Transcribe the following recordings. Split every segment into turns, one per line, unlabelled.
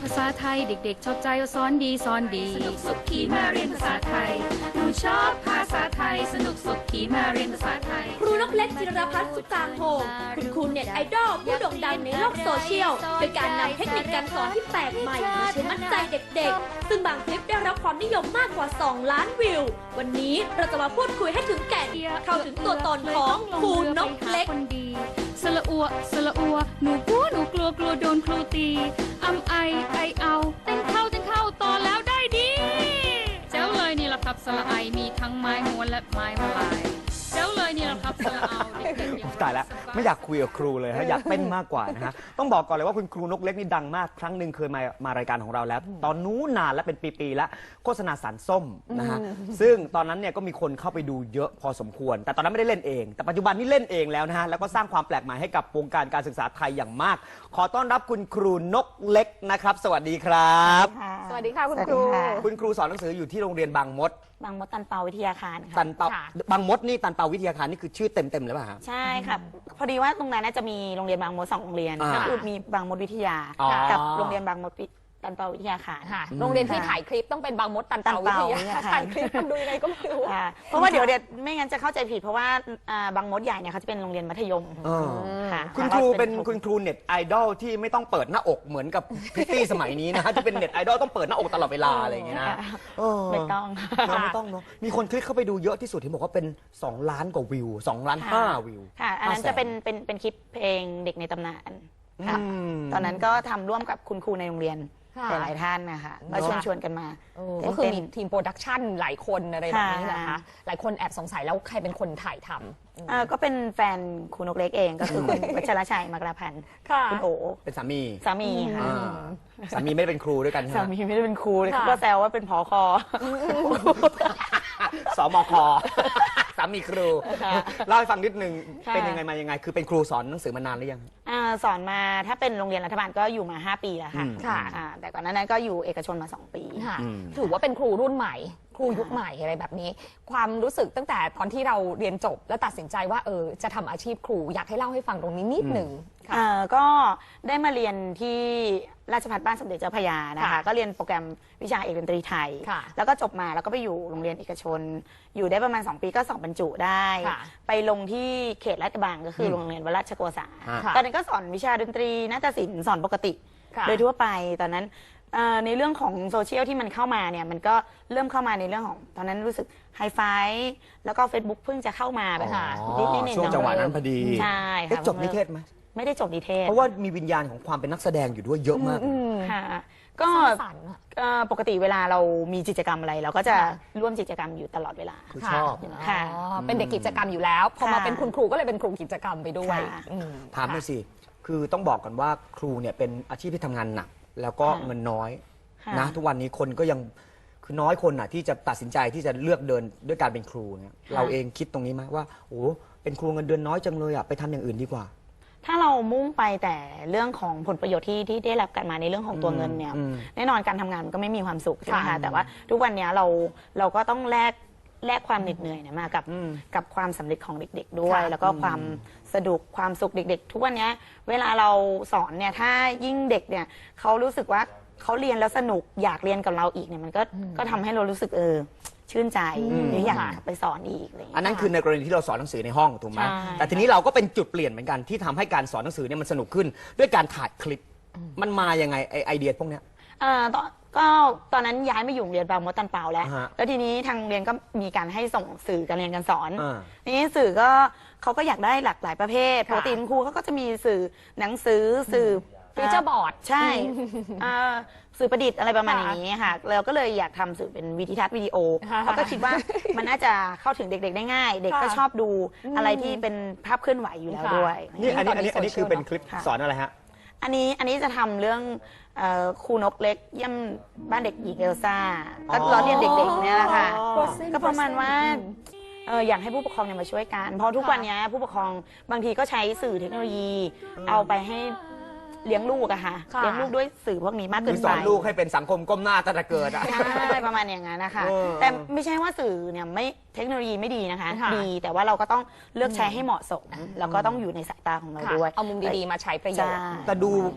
าษาไทยเด็กๆชอบใจสอนดีสอนดีสนุกสุขขีมาเรียนภาษาไทยหนูชอบภาษาไทยสนุกสุขขีมาเรียนภาษาไทย
ครูนกเล็กจิรพัฒน์สุตางโฮมคุณครูเน็ตไอดอลผู้โด่งดังในโลกโซเชียลโดยการนำเทคนิคการสอนที่แปลกใหม่มาใช้มัดใจเด็กๆซึ่งบางคลิปได้รับความนิยมมากกว่า 2 ล้านวิววันนี้เราจะมาพูดคุยให้ถึงแก่นเข้าถึงตัวตนของครูนกเล็ก
สละอัวสละอัวหนูกลัวกลัวโดนครูตีไอเอาเต้นเข้าต่อแล้วได้ดีเจ้าเลยนี่แหละครับสละไอมีทั้งไม้ม้วนและไม้มาลายเจ้าเลยนี่แหละครับสละเอา
ตายแล้วไม่อยากคุยกับครูเลยฮะอยากเต้นมากกว่านะฮะต้องบอกก่อนเลยว่าคุณครูนกเล็กนี่ดังมากครั้งหนึ่งเคยมารายการของเราแล้วตอนนู้นนานและเป็นปีๆแล้วโฆษณาสารส้มนะฮะซึ่งตอนนั้นเนี่ยก็มีคนเข้าไปดูเยอะพอสมควรแต่ตอนนั้นไม่ได้เล่นเองแต่ปัจจุบันนี้เล่นเองแล้วนะฮะแล้วก็สร้างความแปลกใหม่ให้กับวงการการศึกษาไทยอย่างมากขอต้อนรับคุณครูนกเล็กนะครับสวัสดีครับ
สวัสดีค่ะคุณครู
คุณครูสอนหนังสืออยู่ที่โรงเรียนบางมด
ตันเปาวิทยาคารค่ะ
ตันเปาบางมดนี่ตันเปาวิทยาคารนี่คือชื่อเต็มเลยป่ะฮะ
ใช่ครับพอดีว่าตรงนั้นน่าจะมีโรงเรียนบางมด2 โรงเรียนก็คือมีบางมดวิทยากับโรงเรียนบางมดตันเปาวิทยาคาร
โรงเรียนที่ถ่ายคลิปต้องเป็นบางมดตันเปาวิทยาถ่ายคลิปดูยังไงก็ไม่รู้
เพราะว่าเดี๋ยวไม่งั้นจะเข้าใจผิดเพราะว่าบางมดใหญ่เนี่ยเขาจะเป็นโรงเรียนมัธยม
ค่ะคุณครูเป็นคุณครูเน็ตไอดอลที่ไม่ต้องเปิดหน้าอกเหมือนกับพิตตี้สมัยนี้นะฮะที่เป็นเน็ตไอดอลต้องเปิดหน้าอกตลอดเวลาอะไรอย่างเงี้ยนะ
ไม่ต้อง
ไม่ต้องเนาะมีคนคลิกเข้าไปดูเยอะที่สุดที่บอกว่าเป็น2 ล้านกว่าวิว2 ล้าน 5วิว
ค่ะอันนั้นจะเป็นคลิปเพลงเด็กในตำนานค่ะตอนนั้นก็ทำร่วมกับคุณครูในโรงเรียนหลายท่านนะคะมาชวนกันมา
ก็คือมีทีมโปรดักชันหลายคนอะไรแบบนี้นะคะหลายคนแอบสงสัยแล้วใครเป็นคนถ่ายท
ำก็เป็นแฟนครูนกเล็กเองก็คือคุณวัชรชัยมกราพันธ์คุณโอ
เป็นสามี
ค่ะ
สามีไม่ได้เป็นครูด้วยกัน
สามีไม่ได้เป็นครูก็แซวว่าเป็นผค.
สมค.สามีครูเล่าให้ฟังนิดนึงเป็นยังไงมายังไงคือเป็นครูสอนหนังสือมานานหรือยัง
สอนมาถ้าเป็นโรงเรียนรัฐบาลก็อยู่มา5 ปีแล้วค่ะแต่ก่อนนั้นก็อยู่เอกชนมา2 ปี
ถือว่าเป็นครูรุ่นใหม่ครูยุคใหม่อะไรแบบนี้ความรู้สึกตั้งแต่ตอนที่เราเรียนจบแล้วตัดสินใจว่าจะทำอาชีพครูอยากให้เล่าให้ฟังตรงนี้นิดหนึ่ง
ก็ได้มาเรียนที่ราชภัฏบ้านสมเด็จเจ้าพระยานะคะก็เรียนโปรแกรมวิชาเอกดนตรีไทยแล้วก็จบมาแล้วก็ไปอยู่โรงเรียนเอกชนอยู่ได้ประมาณ2 ปีก็สอบบรรจุได้ไปลงที่เขตลาดกระบังก็คือโรงเรียนวราชโกษาตอนนั้นก็สอนวิชาดนตรีนาฏศิลป์สอนปกติโดยทั่วไปตอนนั้นในเรื่องของโซเชียลที่มันเข้ามาเนี่ยมันก็เริ่มเข้ามาในเรื่องของตอนนั้นรู้สึกไฮไฟแล้วก็ Facebook เพิ่งจะเข้ามาแบบ
นิดช่วงจังหวะนั้นพอดี
ใช่ค่ะ
จบนิเทศไหม
ไม่ได้จบนิเทศ
เพราะว่ามีวิญญาณของความเป็นนักแสดงอยู่ด้วยเยอะมาก
ค่ะก็ปกติเวลาเรามีกิจกรรมอะไรเราก็จะร่วมกิจกรรมอยู่ตลอดเวลา
ชอบ
ค่ะเป็นเด็กกิจกรรมอยู่แล้วพอมาเป็นคุณครูก็เลยเป็นครูกิจกรรมไปด้วย
ถามหน่อยสิคือต้องบอกกันว่าครูเนี่ยเป็นอาชีพที่ทำงานหนักแล้วก็เงินน้อยนะทุกวันนี้คนก็ยังคือน้อยคนน่ะที่จะตัดสินใจที่จะเลือกเดินด้วยการเป็นครูเนี่ยเราเองคิดตรงนี้ไหมว่าโอ้เป็นครูเงินเดือนน้อยจังเลยอ่ะไปทำอย่างอื่นดีกว่า
ถ้าเรามุ่งไปแต่เรื่องของผลประโยชน์ที่ได้รับกันมาในเรื่องของตัวเงินเนี่ยแน่นอนการทำงานมันก็ไม่มีความสุขใช่ไหมคะแต่ว่าทุกวันนี้เราก็ต้องแลกความเหน็ดเหนื่อยมากับความสำเร็จของเด็กๆด้วยแล้วก็ความสนุกความสุขเด็กๆทุกวันนี้เวลาเราสอนเนี่ยถ้ายิ่งเด็กเนี่ยเขารู้สึกว่าเขาเรียนแล้วสนุกอยากเรียนกับเราอีกเนี่ยมันก็ทำให้เรารู้สึกชื่นใจหรืออยากไปสอนอีกอะไรอย่างเงี้ย
อันนั้นคือในกรณีที่เราสอนหนังสือในห้องถูกไหมแต่ทีนี้เราก็เป็นจุดเปลี่ยนเหมือนกันที่ทำให้การสอนหนังสือเนี่ยมันสนุกขึ้นด้วยการถ่ายคลิปมันมายังไงไอเดียพวกเนี้ย
ก็ตอนนั้นย้ายมาอยู่โรงเรียนบางมดตันเปาแล้วทีนี้ทางโรงเรียนก็มีการให้ส่งสื่อการเรียนการสอนนี้สื่อก็เขาก็อยากได้หลากหลายประเภทปกติครูเขาก็จะมีสื่อหนังสือสื่อ
ฟีเจอร์บอร์ด
ใช่สื่อประดิษฐ์อะไรประมาณนี้ค่ะเราก็เลยอยากทำสื่อเป็นวิดีทัศน์วิดีโอเขาก็คิดว่ามันน่าจะเข้าถึงเด็กๆได้ง่ายเด็กก็ชอบดูอะไรที่เป็นภาพเคลื่อนไหวอยู่แล้วด้วย
นี่อันนี้คือเป็นคลิปสอนอะไรฮะ
อันนี้จะทำเรื่องครูนกเล็กเยี่ยมบ้านเด็กหญิงเอลซ่าก็ล้อเลียนเด็กๆเนี่ยแหละค่ะก็ประมาณว่าอยากให้ผู้ปกครองมาช่วยกันเพราะทุกวันนี้ผู้ปกครองบางทีก็ใช้สื่อเทคโนโลยีเอาไปให้เลี้ยงลูกอะค่ะเลี้ยงลูกด้วยสื่อพวกนี้มากเกินไป
สอนลูกให้เป็นสังคมก้มหน้าตั้งแต่เกิดอะ
ใช่ประมาณอย่างนั้นนะคะแต่ไม่ใช่ว่าสื่อเนี่ยไม่เทคโนโลยีไม่ดีนะคะดีแต่ว่าเราก็ต้องเลือกใช้ให้เหมาะสมแล้วก็ต้องอยู่ในสายตาของเราด้วย
เอามุมดีๆมาใช้ประโยชน์
แต่ดู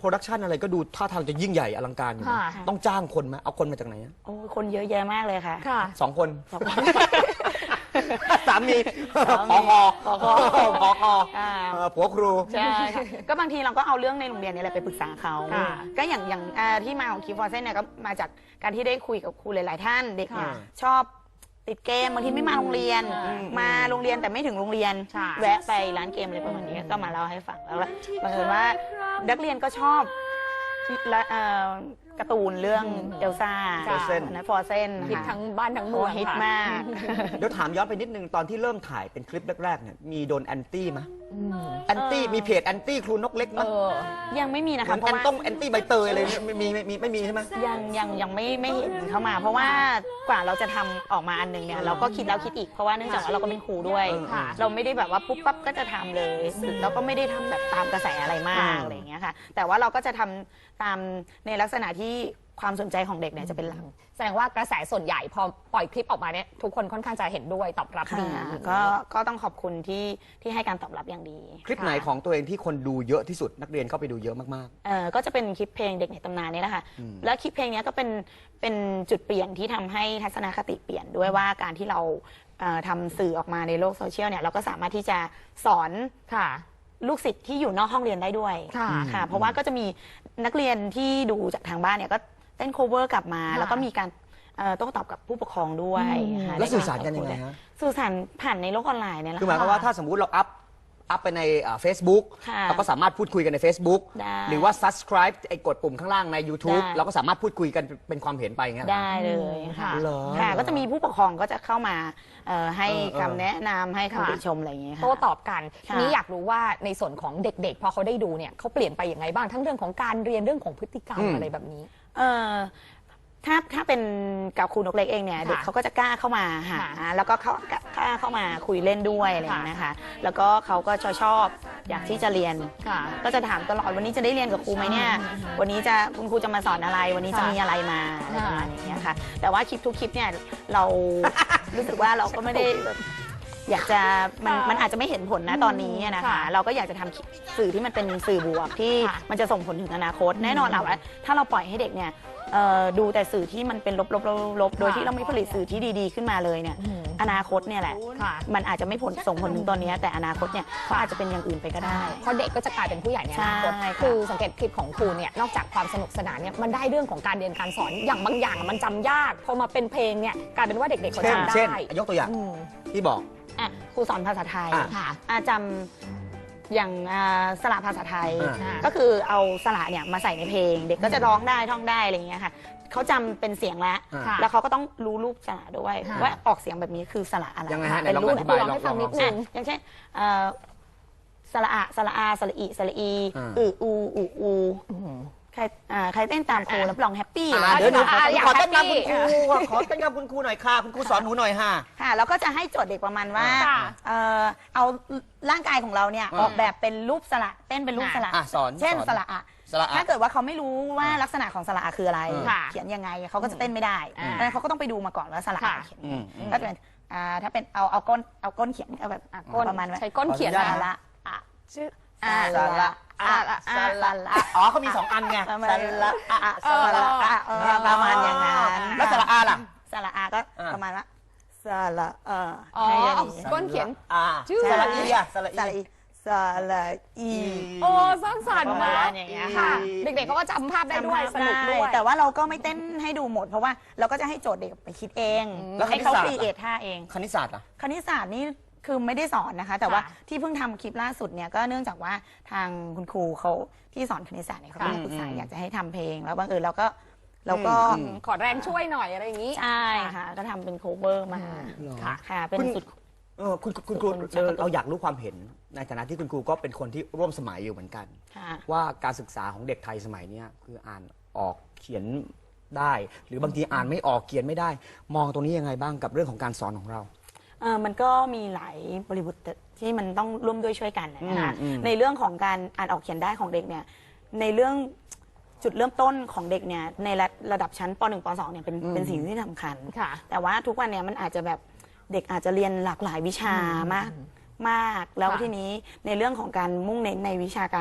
โปรดักชันอะไรก็ดูท่าทางจะยิ่งใหญ่อลังการอยู่นะ
ค่ะ
ต้องจ้างคนไหมเอาคนมาจากไหนอะ
โอ้ยคนเยอะแยะมากเลยค่ะ
ค่ะ
2 คน
สองคน
สามี
สามี
พอ
ผอ
พอ
อ่า
ผัวครู
ใช่ค่ะก็บางทีเราก็เอาเรื่องในโรงเรียนนี่แหละไปปรึกษาเขา
ค่ะ
ก็อย่างที่มาของคีฟอร์เซนเนี่ยก็มาจากการที่ได้คุยกับครูหลาย ๆ ท่านเด็กเนี่ย
ค่ะ
ชอบติดเกมบางทีไม่มาโรงเรียน มาโรงเรียนแต่ไม่ถึงโรงเรียน
ใช่
แวะไปร้านเกมอะไรประมาณนี้ก็มาเล่าให้ฟังแล้วบังเอิญว่านักเรียนก็ชอบและการ์ตูนเรื่องเอลซ่า
Frozen
นะฟอร์เซน
ฮิตทั้งบ้านทั้งเมื
โอ้
อง
ฮิต
ค่ะ
มาก
เดี๋ยวถามย้อนไปนิดนึงตอนที่เริ่มถ่ายเป็นคลิปแรกๆเนี่ยมีโดนแอนตี้ไหมแอนตี้มีเพจแอนตี้ครูนกเล็กไหม
เออ
ยังไม่มีนะ
เหมื
คะ
อน
เพ
แอ
ราะ
น
ว่า
ต้องแอนตี้ใบเตยอะไรเนี่ยไม่มีใช่ไหม
ยังไม่เห็นเข้ามา เพราะว่ากว่าเราจะทำออกมาอันหนึงเนี่ยเราก็คิดแล้วคิดอีกเพราะว่าเนื่องจากว่าเราก็เป็นครูด้วย
ค่ะ
เราไม่ได้แบบว่าปุ๊บปั๊บก็จะทำเลยแล้วก็ไม่ได้ทำแบบตามกระแสอะไรมากอะไรอย่างเงี้ยค่ะแต่ว่าเราก็จะทำตามในลักษณะที่ความสนใจของเด็กเนี่ยจะเป็นหลัก
แสดงว่ากระแสส่วนใหญ่พอปล่อยคลิปออกมาเนี่ยทุกคนค่อนข้างจะเห็นด้วยตอบรับดี
ก็ต้องขอบคุณที่ให้การตอบรับอย่างดี
คลิปไหนของตัวเองที่คนดูเยอะที่สุดนักเรียนเข้าไปดูเยอะมาก
ก็จะเป็นคลิปเพลงเด็กในตำนานนี่แหละค่ะแล้วคลิปเพลงนี้ก็เป็นจุดเปลี่ยนที่ทำให้ทัศนคติเปลี่ยนด้วยว่าการที่เราทำสื่อออกมาในโลกโซเชียลเนี่ยเราก็สามารถที่จะสอน
ค่ะ
ลูกศิษย์ที่อยู่นอกห้องเรียนได้ด้วย
ค่ะ
เพราะว่าก็จะมีนักเรียนที่ดูจากทางบ้านเนี่ยก็เต้นโคเวอร์กลับมา
ค่ะ
แล้วก็มีการโต้ตอบกับผู้ปกครองด้วยค่ะ
ๆ แล้วสื่อสารกันยังไงฮะ
สื่อสารผ่านในโลกออนไลน์เนี่ยแหละ
คือหมายความว่าถ้าสมมุติเราอัพไปในFacebook
ค่ะ
เราก็สามารถพูดคุยกันใน Facebook
ได้
หรือว่า subscribe ไอ้กดปุ่มข้างล่างใน YouTube
ได้
เราก็สามารถพูดคุยกันเป็นความเห็นไปอย่างเงี้ยเหรอ
ได้เลยค่ะ
เหรอ
ค่ะก็จะมีผู้ปกครองก็จะเข้ามาให้
เออ
คำแนะนำให้
ค่ะ
คำติชมอะไรอย่างเงี้ยค่ะ
โต้ตอบกัน
ค่ะ
ทีนี้อยากรู้ว่าในส่วนของเด็กๆ พอเขาได้ดูเนี่ยเขาเปลี่ยนไปอย่างไรบ้างทั้งเรื่องของการเรียนเรื่องของพฤติกรรมอะไรแบบนี้
เออถ้าเป็นกับครูนกเล็กเองเนี่ย
ค่ะ
เด็กเขาก็จะกล้าเข้ามาหา
ค่ะ
แล้วก็กล้าเข้ามาคุยเล่นด้วยอะไรอย่างเงี้ยนะคะ แล้วก็เขาก็ชอบอยากที่จะเรียน
ค่ะ
ก็จะถามตลอดวันนี้จะได้เรียนกับครูไหมเนี่ยวันนี้จะคุณครูจะมาสอนอะไร วันนี้จะมีอะไรมาอะไรประมาณอย่างเงี้ยค่ะ แต่ว่าคลิปทุกคลิปเนี่ยเรา รู้สึกว่าเราก็ไม่ได้แบบอยากจะมันอาจจะไม่เห็นผลนะตอนนี้นะคะ
ค่ะ
เราก็อยากจะทำสื่อที่มันเป็นสื่อบวกที่
ค่ะ
มันจะส่งผลถึงอนาคต แน่นอนแหละว่าถ้าเราปล่อยให้เด็กเนี่ยดูแต่สื่อที่มันเป็นลบโดยที่เราไม่ผลิตสื่อที่ดีๆขึ้นมาเลยเนี่ยอนาคตเนี่ยแหละ
ค่ะ
มันอาจจะไม่ส่งผลถึงตอนนี้แต่อนาคตเนี่ยเขาอาจจะเป็นอย่างอื่นไปก็ได้
เพราะเด็กก็จะกลายเป็นผู้ใหญ่ในอนาคต
ใช่ค่ะ
คือสังเกตคลิปของครูเนี่ยนอกจากความสนุกสนานเนี่ยมันได้เรื่องของการเรียนการสอนอย่างบางอย่างมันจำยากพอมาเป็นเพลงเนี่ยกลายเป็นว่าเด็กๆเขา
เช่น
จำได้
เช่นยกตัวอย่าง
อืม
ที่บอก
ครูสอนภาษาไทย
ค่ะ
จำอย่างสระภาษาไทย
อ่า
ก็คือเอาสระเนี่ยมาใส่ในเพลง เด็กก็จะร้องได้ท่องได้อะไรอย่างเงี้ยค่ะเขาจำเป็นเสียงแล้ว
ค่ะ
แล้วเขาก็ต้องรู้รูปสระด้วย
ค่ะ
ว่าออกเสียงแบบนี้คือสระอะไร
ยังไงฮะไหน
เป็น
ลอง
รู
อ
ป
ธิบาย
ลองให้ฟังนิดนึง
อย่างเช่นสระอะสระอาสระอีสระอี
อ่า
อูใครเต้นตามครูรับรองแฮปปี้
เดี๋ยวหนู
อยาก
ขอเต้นกับ
แฮปปี้
คุณครูขอเต้นกับคุณครูหน่อยค่ะคุณครูสอนหนูหน่อยค่ะ
ค่ะแล้วก็จะให้โจทย์เด็กประมาณว่า
ค่ะ
เอาร่างกายของเราเนี่ย
อ่า
ออกแบบเป็นรูปสระเต้นเป็นรูปสระ
สอน
เช่น
สอน
สระอะ
สระอะ
ถ้าเกิดว่าเขาไม่รู้ว่าลักษณะของสระอะคืออะไร
ค่ะ
เขียนยังไงเขาก็จะเต้นไม่ได้
อ่า
ดังนั้นเขาก็ต้องไปดูมาก่อนว่าสระอะ
ค่ะ
เขียน
อืม
ก็จะเป็นถ้าเป็นเอาก้นเขียนเอาแบบ
ก้น
ประมาณว่า
ใช้ก้นเขียน
ขออนุญาต
สระอะ
ชื่อ
สระอะ
สระอะ
อ๋อเขามี2 อันไง
ประมาณ
สระอะ
สระอะประมาณอย่างนั้น
แล้วสระอาล่ะ
สระอะก็
อ่า
ประมาณว่าสระอะ
อ๋อ
ให้อย่าง
เอา
นี้
ก้นเขียน
อ่า
ชื่อ
สระอีอะสระ
สระ
อี
อีสระอี
โอ้สร้างสรรค์
ประ
มา
มาณ
ก
อย่างเงี้ย
ค่ะ
ค่ะ
เด็กๆเขาก็จำภาพได้ด้วยสนุกด้วย
แต่ว่าเราก็ไม่เต้นให้ดูหมด เพราะว่าเราก็จะให้โจทย์เด็กไปคิดเอง
แล้ว
ให้เขา
คณิตศาสตร์
ครีเอทท่าเอง
คณิตศาสตร์อ่ะ
คณิตศาสตร์นี่คือไม่ได้สอนนะคะ แต่ว่า
ค่ะ
ที่เพิ่งทำคลิปล่าสุดเนี่ยก็เนื่องจากว่าทางคุณครูเขาที่สอนคณิตศาสตร์เนี่ยเขาก็มาปรึกษาอยากจะให้ทำเพลง แล้วบังเอิญเราก็
ขอแรงช่วยหน่อยอะไรอย่างนี้
ใช่ค่ะ ก็ทำเป็นโคเวอร์มา
ค่ะ
ค่ะเป็น
คุณ
สุด
คุณครูเราอยากรู้ความเห็นในฐานะที่คุณครูก็เป็นคนที่ร่วมสมัยอยู่เหมือนกัน
ค่ะ
ว่าการศึกษาของเด็กไทยสมัยเนี้ยคืออ่านออกเขียนได้ หรือบางทีอ่านไม่ออกเขียนไม่ได้ มองตรงนี้ยังไงบ้างกับเรื่องของการสอนของเรา
มันก็มีหลายบริบทที่มันต้องร่วมด้วยช่วยกันนะคะ
อืม
ในเรื่องของการอ่านออกเขียนได้ของเด็กเนี่ยในเรื่องจุดเริ่มต้นของเด็กเนี่ยในระดับชั้นป .1 ป .2 เนี่ยเป็นสิ่งที่สำคัญ
ค่ะ
แต่ว่าทุกวันเนี่ยมันอาจจะแบบเด็กอาจจะเรียนหลากหลายวิชามากแล้ว
ค่ะ
ทีนี้ในเรื่องของการมุ่งเน้นในวิชาการ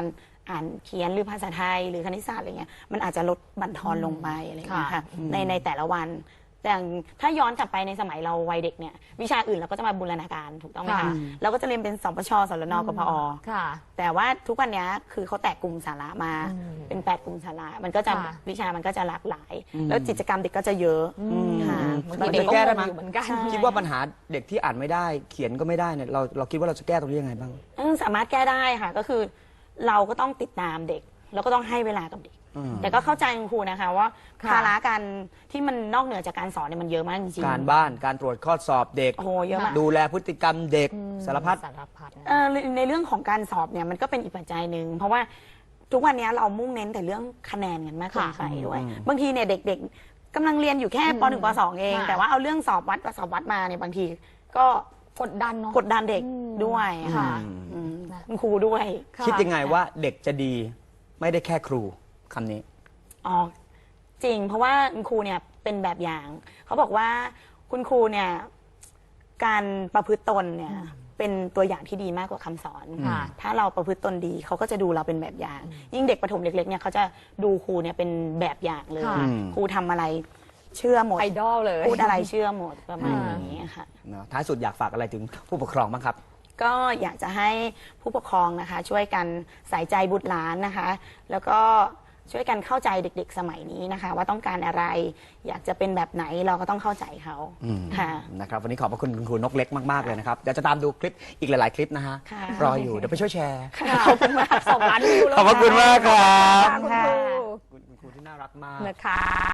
อ่านเขียนหรือภาษาไทยหรือคณิตศาสตร์อะไรเงี้ยมันอาจจะลดบั่นทอนลงไปอะไรเงี้ยค่ะในแต่ละวันแต่ถ้าย้อนกลับไปในสมัยเราวัยเด็กเนี่ยวิชาอื่นเราก็จะมาบูรณาการถูกต้องไหมคะเราก็จะเรียนเป็นสปชสรนกพอ
ค่ะ
แต่ว่าทุกวันนี้คือเขาแตกกลุ่มสาระมาเป็น8กลุ่มสาระมันก็จะ
ค่ะ
วิชามันก็จะหลากหลาย แล้วกิจกรรมเด็กก็จะเยอะค่ะ
บางทีเด็กก็
แก้ได้
ง
ไหม
งอยู่เหมือนกัน
คิดว่าปัญหาเด็กที่อ่านไม่ได้เขียนก็ไม่ได้เนี่ยเราคิดว่าเราจะแก้ตรงนี้ยังไงบ้าง
สามารถแก้ได้ค่ะก็คือเราก็ต้องติดตามเด็กแล้วก็ต้องให้เวลากับเด็ก แต่ก็เข้าใจคุณครูนะคะว่า
ค่ะ
ภาระการที่มันนอกเหนือจากการสอนเนี่ยมันเยอะมากจริงๆ
การบ้านการตรวจข้อสอบเด็ก
โอ้โหเยอะมาก
ดูแลพฤติกรรมเด็กสารพัด
สารพัดนะ
ในเรื่องของการสอบเนี่ยมันก็เป็นอีกปัจจัยหนึ่งเพราะว่าทุกวันนี้เรามุ่งเน้นแต่เรื่องคะแนนกันมากเกินไปด้วยบางทีเนี่ยเด็กๆกำลังเรียนอยู่แค่ป .1 ป .2 เอง
ค่ะ
แต่ว่าเอาเรื่องสอบวัดมาเนี่ยบางทีก็
กดดันเนาะ
กดดันเด็กด้วย
ค่ะ
คุณครูด้วย
ค่ะ
คิดยังไงว่าเด็กจะดีไม่ได้แค่ครูคำนี้
อ๋อจริงเพราะว่าคุณครูเนี่ยเป็นแบบอย่างเขาบอกว่าคุณครูเนี่ยการประพฤติตนเนี่ยเป็นตัวอย่างที่ดีมากกว่าคำสอน
ค่ะ
ถ้าเราประพฤติตนดีเขาก็จะดูเราเป็นแบบอย่าง ยิ่งเด็กประถมเด็กเล็กเนี่ยเขาจะดูครูเนี่ยเป็นแบบอย่างเลย
ค่ะ
ครูทำอะไรเชื่อหมด
ไอดอลเลย
พูดอะไรเชื่อหมดประมาณนี้ค่ะ
เนอะท้ายสุดอยากฝากอะไรถึงผู้ปกครองบ้างครับ
ก็อยากจะให้ผู้ปกครองนะคะ ช่วยกันใส่ใจบุตรหลานนะคะ แล้วก็ช่วยกันเข้าใจเด็กๆสมัยนี้นะคะ ว่าต้องการอะไร อยากจะเป็นแบบไหนเราก็ต้องเข้าใจเขาค่ะ
นะครับวันนี้ขอบพระคุณคุณครูนกเล็กมากๆเลยนะครับเดี๋ยวจะตามดูคลิปอีกหลายๆคลิปนะฮะ
ค่ะ
รออยู่เดี๋ยวไปช่วยแชร์
ขอบคุณมาก2 ล้านวิวแล้ว
ขอบพระคุณมากครับ
ค่ะคุณครู
คุณครูที่น่ารักมาก
นะคะ